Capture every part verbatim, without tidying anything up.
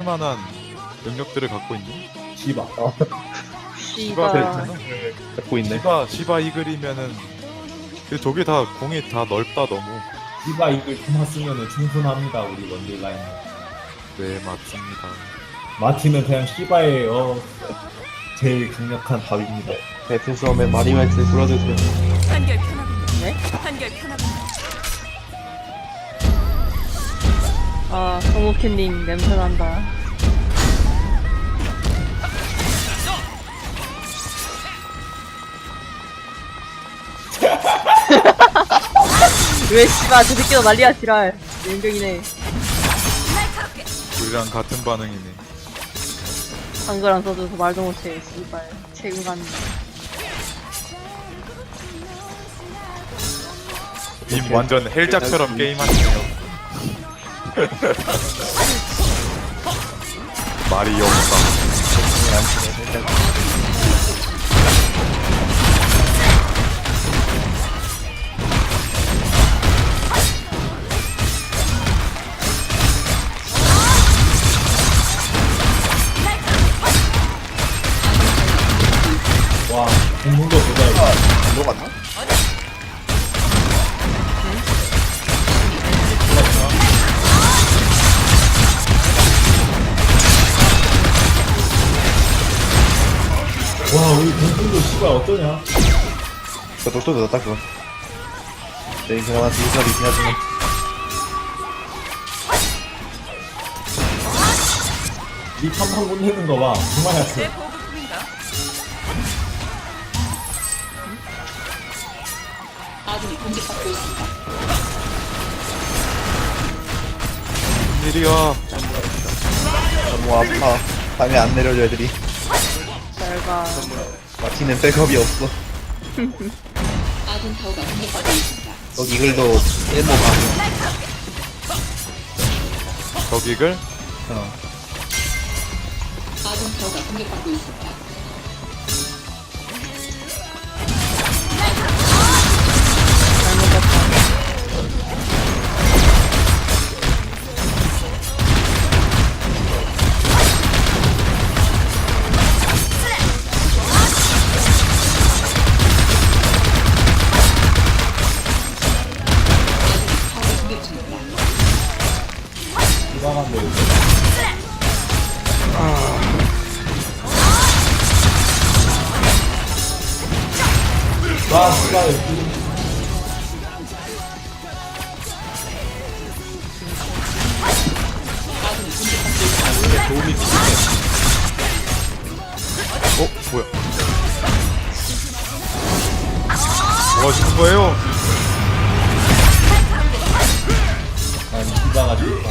만한 능력들을 갖고 있니? 씨바. 어. 시바 씨가 네. 갖고 있네. 시바 시바 이글이면은 근데 저게 다 공이 다 넓다 너무. 씨바 이걸 그만 쓰면은 충분합니다 우리 원딜 라인. 네 맞습니다. 마틴은 그냥 씨바의 어 제일 강력한 답입니다. 배틀섬에 마리멜트 불러주세요. 판결 편합니다. 네? 판결 편합니다. 아 성우캔님 냄새난다. 왜 씨발 저 새끼도 난리야 지랄. 연병이네. 날카롭게. 우리랑 같은 반응이네. 한글 안 써줘서 말도 못해. 씨발 책임감. 님 완전 헬작처럼 게임하시네요. 말이 없다. 와 공문도 보자. 녹았나? 와 우리 공문도 씨바 어떠냐? 그 독도 넣었다 그거. 네, 그나마 두살이긴 하지만. 이 탐방 못 내는 거 봐. 정말 내 약해. 보급품인가? 일이야. 너무 아파. 밤에 안 내려줘 애들이. 잘가. 마티는 백업이 없어. 여기 이글도 일모 가. 저기글 어. 씨바만데. 와 씨바. 도움이 필요해. 어 뭐야? 뭐 하시는 거예요? 아니 씨바가 좋다.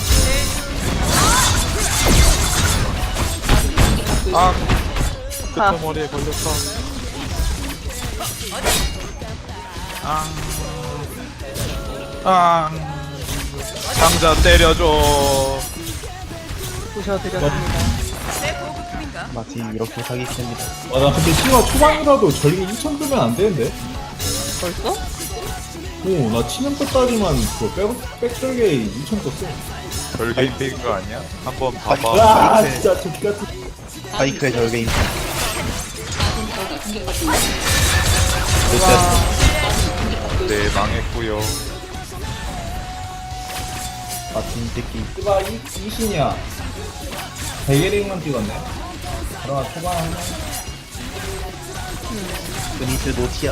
아 아. 끝머리에 걸렸다. 아, 아, 상자 때려줘. 부셔드렸습니다. 내 보급품인가? 마티 이렇게 사기 칩니다. 와나 근데 씨바 초반이라도 전기 이천 뜨면 안 되는데? 벌써? 오나 치는 것까지만 그 백, 백절개 이천 떴어. 별개인 거 아니야? 한번 봐봐. 와 네. 진짜 저기 같은. 파이크의 절개임. 네 망했고요. 마틴 새끼. 씨바 이, 이신이야. 베게링만 찍었네. 그러나 초반 하나. 그니스 노티아.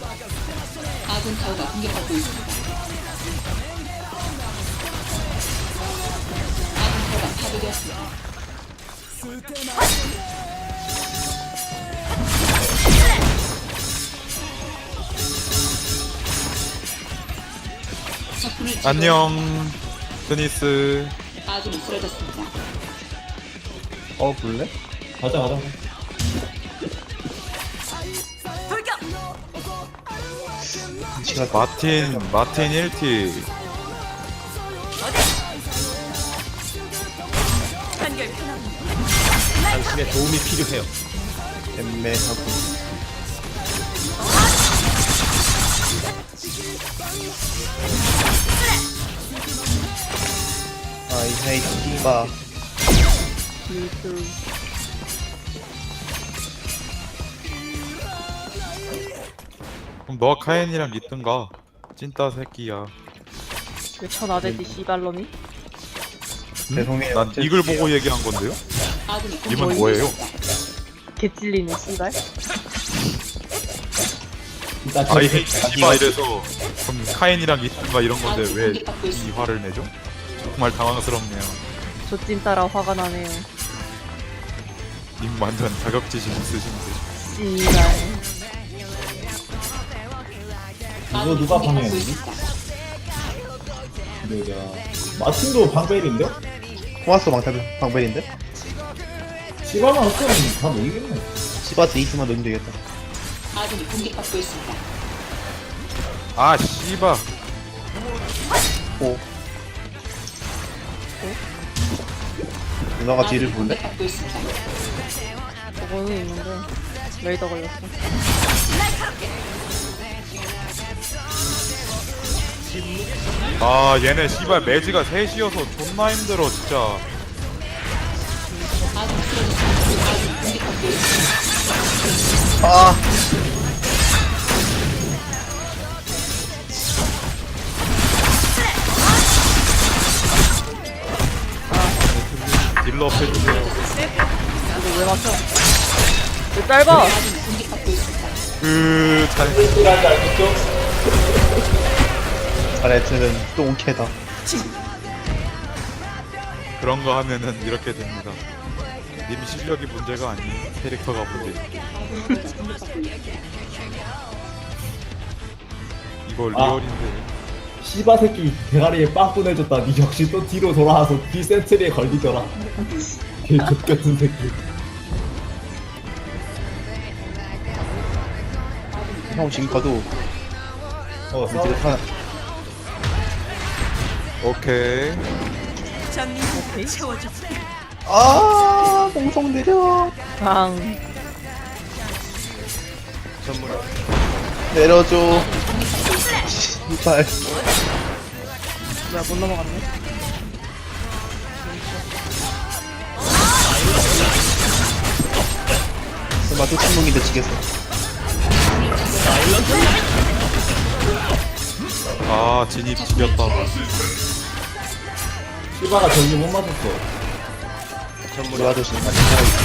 안녕, 드니스. 어 볼래? 가자 가자. 돌격. 시간 마틴, 마틴 일 티. 판결 편합니다. 당신의 도움이 필요해요. 애매하고. 아이 헤이 씨바. 미술. 그럼 너가 카엔이랑 있든가. 찐따 새끼야. 왜 천하대지 씨발놈이? 죄송해요. 난 이글 보고 얘기한 건데요? 님은 뭐예요? 개찔리네 씨발. 일단 아이 저- 헤이 씨바 이래서 그럼 카엔이랑 있든가 이런 건데 왜 이 화를 내죠? 정말 당황스럽네요. 저 찐따라 화가 나네요. 님 완전 자격지심 있으신데. 씨발. 이거 누가 방해했니? 뭐야? 마틴도 방벨인데? 토마스 방탈 방벨인데? 시바만 없으면 다 모이겠네. 시바스 이스만 넣으면 되겠다. 아 씨바. 오. 누나가 뒤를 볼래? 저거는 있는데 레이더 걸렸어. 아 얘네 씨발 매지가 셋이어서 존나 힘들어 진짜. 아. 딜러 해주세요. 이거 왜 맞춰? 왜 짧아? 그 잘. 이라지 알겠죠? 아레트는 또 오케다. 그런 거 하면은 이렇게 됩니다. 님 실력이 문제가 아니에요. 캐릭터가 문제. 이거 아. 리얼인데. 시바 새끼 대가리에 빵 보내줬다. 니 역시 또 뒤로 돌아와서 뒤 센트리에 걸리더라. 개 X같은 새끼. 형 지금 가도 어, 싸워. 이제 타. 오케이. 전민을 채워줘. 아, 공성 내려. 방. 내려줘. 씨발. 뭐야 못 넘어갔네. 설마 또 침묵인데 지겠어. 아 진입 지렸다. 시바가 전기 못 맞았어. 우리 아저씨 많이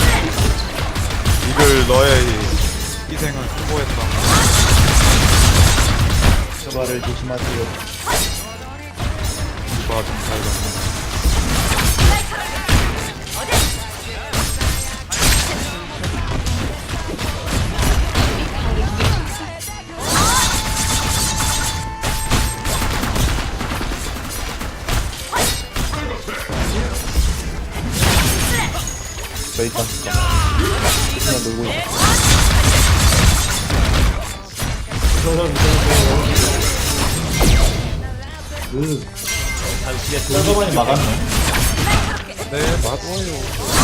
이글 너의 희생은 수고했다. 저발을 조심하세요. 이봐 좀 살렸네. 저 일단 그냥 놀고 있어. 그, 서서만이 막았네. 네 맞아요.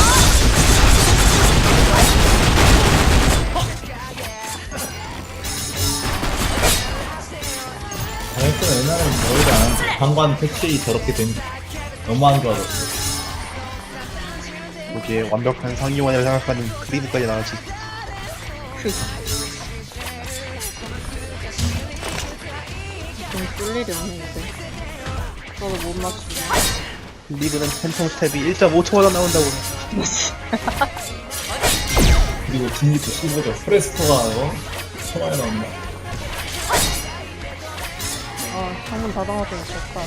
아이스는 옛날엔 머리가 안 하는데 방관 패치 저렇게 된 너무 안 좋아졌어. 거기에 완벽한 상위원이라고 생각하는 크리드까지 나왔지. 좀 쏠 일이 없네 이제. 저도 못 맞추네. 리드는 팬텀 스텝이 일 점 오 초마다 나온다고. 그리고 진입도 씹어져. 프레스토가 어? 천만에 나온다. 아 창문 닫아놨더니 좋다.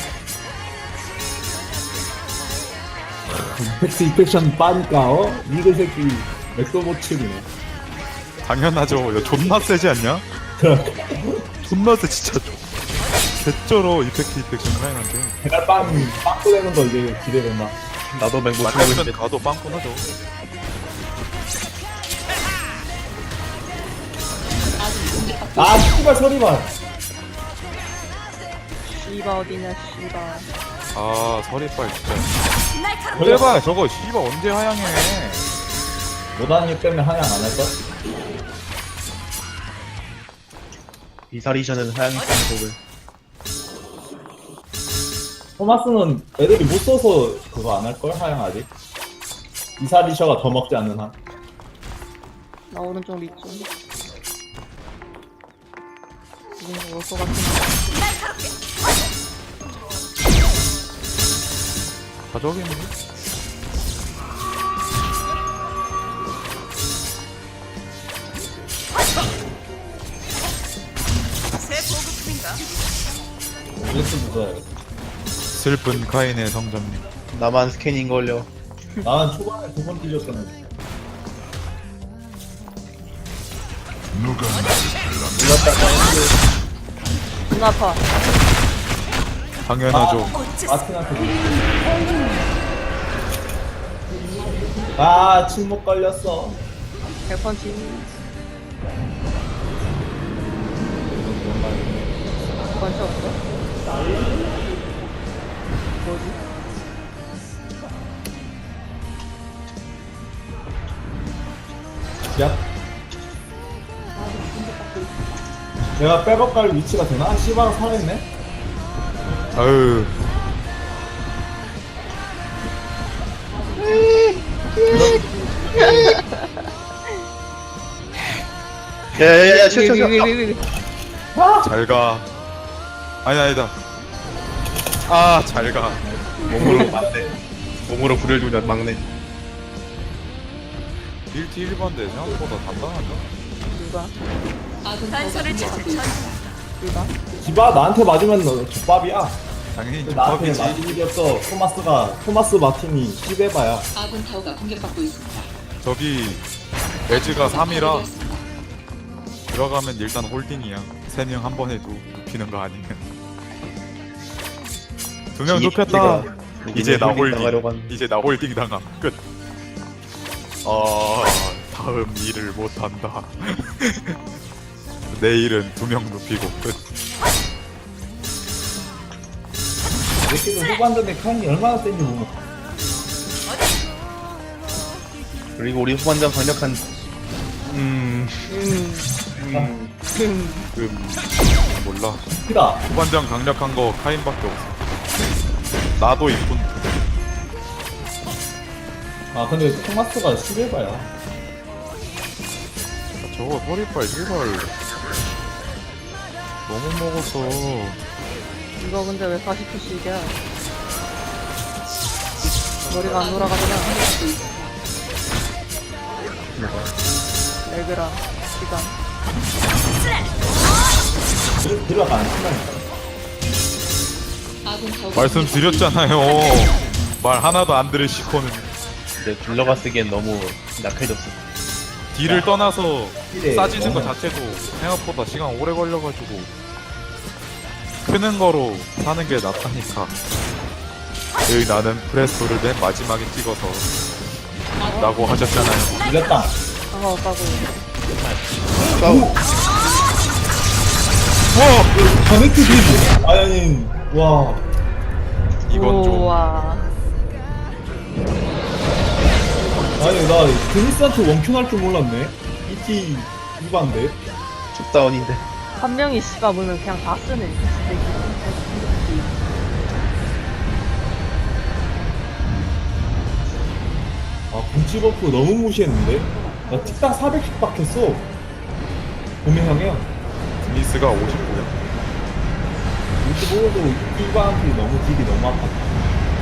팩스 이펙션 빠니까 어? 이글 새끼 맥도 못 치네. 당연하죠. 야 존나 세지 않냐? 존나 세 진짜. 개쩔어 이펙트 이펙션 카인한테. 배달 빵, 빵 꺼내는 거 이제 기대된다. 나도 맹못 치고 맞으면 있는데. 가도 빵꾸나죠. 아, 씨발 소리만. 씨바 어디냐 씨바. 아 서리빨 진짜. 날카롭게. 그래봐 저거 씨발 언제 하향해. 노단이 때문에 하향 안 할걸? 이사리션은 하향성 곡을. 토마스는 애들이 못 써서 그거 안 할걸? 하향 아직? 이사리셔가 더 먹지 않는 한. 나 오른쪽 리좀 지금 올것 같은데. 가져오겠네. 새 보급품인가? 블레스 무서워야겠다. 슬픈 카인의 성장님. 나만 스캐닝 걸려. 나는 초반에 두 번 뒤졌었는데. 눈 아파. 당연하죠. 어째서 마틴한테. 아, 침묵 걸렸어. 백펀치. 백펀치 없어? 뭐지? 야. 내가 백업 갈 위치가 되나? 씨바가 살아있네? 아유. 야야야야 쉬어 쉬어 쉬어. 위위위위위. 잘 가. 아니 아니다. 아, 잘 가. 몸으로 막네. 몸으로 불을 주냐 막네. 일티 일 번대 생각보다 단단하다. 누가? 단서를 찾을 전 누가? 씨바 나한테 맞으면 너 족밥이야. 당연히 나한테 족밥이지. 맞은 일이 없어. 토마스가, 토마스 마틴이 시베바야. 아군 타워가 공격받고 있습니다. 저기 에즈가 삼이라 들어가면 일단 홀딩이야. 세 명 한 번에 도 눕히는 거 아니면. 두 명 눕혔다. 이제 나 홀딩. 이제 나 홀딩 당함. 끝. 어, 다음 일을 못 한다. 내일은 두 명 눕히고 끝. 이렇게도 후반전에 카인이 얼마나 센지 모르 그리고 우리 후반전 강력한 음, 음. 음, 음, 몰라. 크다. 후반전 강력한 거 카인밖에 없어. 나도 이쁜. 아, 근데 토마스가 시베바야. 저거 허리빨 제발 너무 먹었어. 이거 근데 왜 사십 초씩이야? 머리가 안 돌아가잖아. 레그라 시간. 들- 들어가 안 친다니까. 아군 타워가 말씀드렸잖아요. 말 하나도 안 들으시고는 근데 딜러가 쓰기엔 너무 약해졌어. 딜을 떠나서 딜에 싸지는 거 너무- 자체도 생각보다 시간 오래 걸려가지고 크는 거로 사는 게 낫다니까. 여기 나는 프레스토를 맨 마지막에 찍어서 라고 하셨잖아요. 이겼다. 상관없다고. 싸우. 커넥트 딜. 아니, 와. 이건 좀 우와. 아니, 나 드니스한테 원큐 날 줄 몰랐네. 이티 이반데. 춥다운인데. 한 명이 씨가 물면 그냥 다 쓰네. 아, 분치 버프 너무 무시했는데? 나 틱당 사백씩 박혔어. 봄의 향이야. 드니스가 오십구야. 육십오도 이반한테 너무 딜이 너무 아팠다.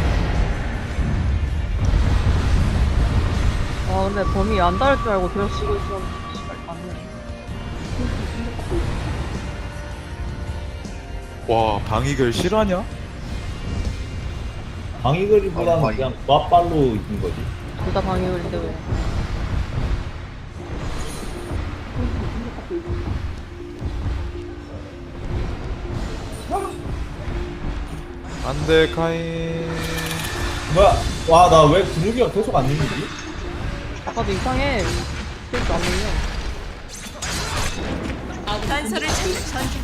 아 근데 범위 안 닿을 줄 알고 계속 쉬고 있었는데 씨발 닿네. 와, 방익을 실화냐? 방위거리보다는 방위. 그냥 맞발로 이긴 거지. 둘 다 방해걸인데 왜? 안돼 카인. 뭐야? 와, 나 왜 근육이가 계속 안 밀리지? 아까도 이상해. 계속 안 밀려. 아군 단서를 찾을 전쟁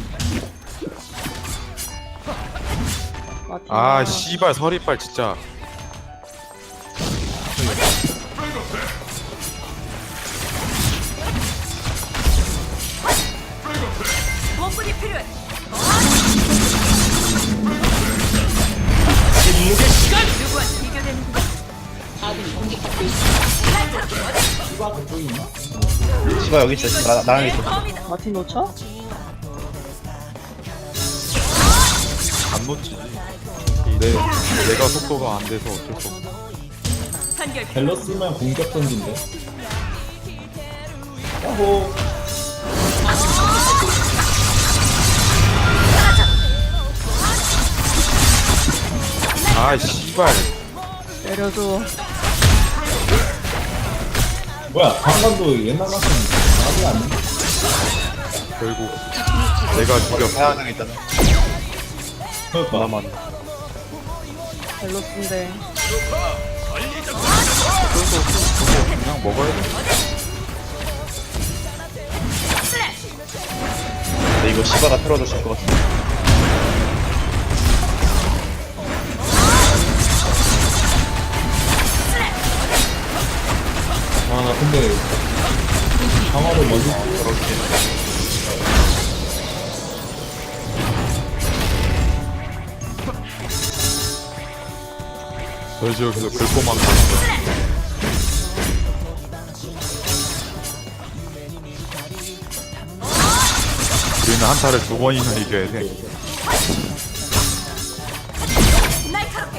마티나. 아 씨발 서리빨 진짜. 원분이 필요해. 누구와 비교되는 아군이 공격받고 있습니다. 누가 그쪽에 있나? 시바 여기 있어. 나, 나랑 있어. 범이다. 마틴 놓쳐? 안 놓치지. 내 내가 속도가 안 돼서 어쩔 수 없어. 단결. 밸런스면 공격 던진데. 야호. 아 씨발. 내려줘. 뭐야 방금도 옛날 같은 나비 아니야? 결국 내가 죽였어. 하나 있잖아. 그러니까 나만. 벨로스인데. 그냥 먹어야 돼. 근데 이거 시바가 틀어줬을 것 같아. 아나 근데 강화를 먼저 저희 지역에서 글꼬만 가는 우리는 한타를 두 번이나 이겨야 돼. 날카롭게.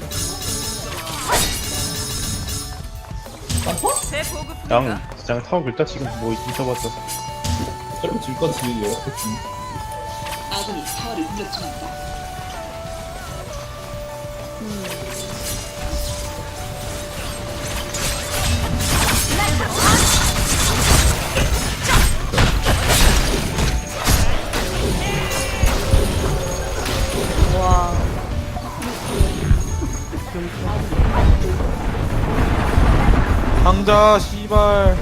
새 보급품인가? 양, 양 타워 글자 지금 뭐 있어봤자. 어차피 질 거지 이렇겠지. 아군이 타워를 공격 중입니다. 와. 상자 씨발.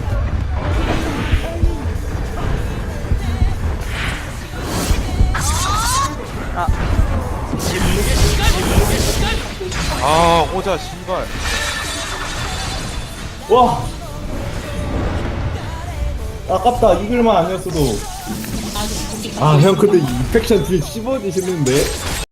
아. 아 호자 씨발. 와. 아깝다 이글만 아니었어도. 아군이 공격받고 아 형 근데 이 인펙션 딜 씹어지시는데?